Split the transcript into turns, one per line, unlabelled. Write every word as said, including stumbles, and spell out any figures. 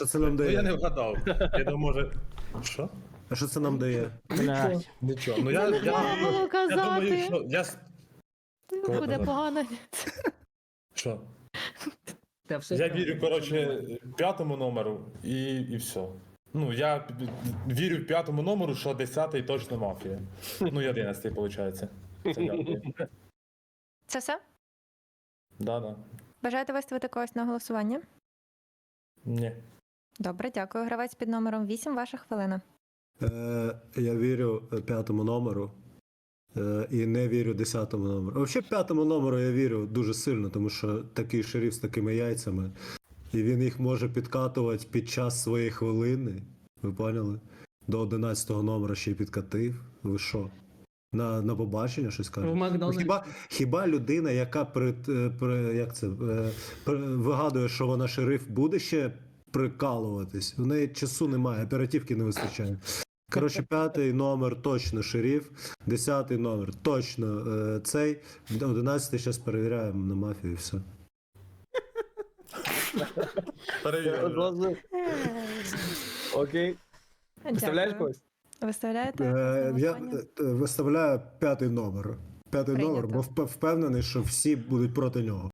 Що це нам
Ну я не
дає?
вгадав. Я думаю, може. Що?
А що це нам дає?
Блядь.
Нічого. Ну я,
Це не
я,
треба було
я
казати.
думаю, що. Я... с- Кого
Буде
казати?
погано.
Що?
Та все
Я
правильно.
вірю, коротше, п'ятому номеру і, і все. Ну, я п- п- вірю в п'ятому номеру, що десятий точно мафія. Ну, і одинадцятий, виходить. Це дякую.
Це все?
Да-да.
Бажаєте виставити когось на голосування?
Ні.
Добре, дякую. Гравець під номером вісім, ваша хвилина.
Е, я вірю е, п'ятому номеру. Е, і не вірю десятому номеру. Взагалі п'ятому номеру я вірю дуже сильно, тому що такий шериф з такими яйцями. І він їх може підкатувати під час своєї хвилини. Ви поняли? До одинадцятого номера ще й підкатив. Ви що? На, на побачення щось
В
кажете?
Макдональдсі.
Хіба, хіба людина, яка при, е, при, як це, е, при, вигадує, що вона шериф, буде ще прикалуватись? У неї часу немає, оперативки не вистачає. Коротше, п'ятий номер точно шериф, десятий номер точно е, цей, одинадцятий зараз перевіряємо на мафію і все.
Перевіряю.
Одразу. Окей. Виставляєш
Дякую.
когось?
Виставляєте?
Е,
на
я
голосування?
е, виставляю п'ятий номер. П'ятий
Прийнято.
номер, бо вп- впевнений, що всі будуть проти нього.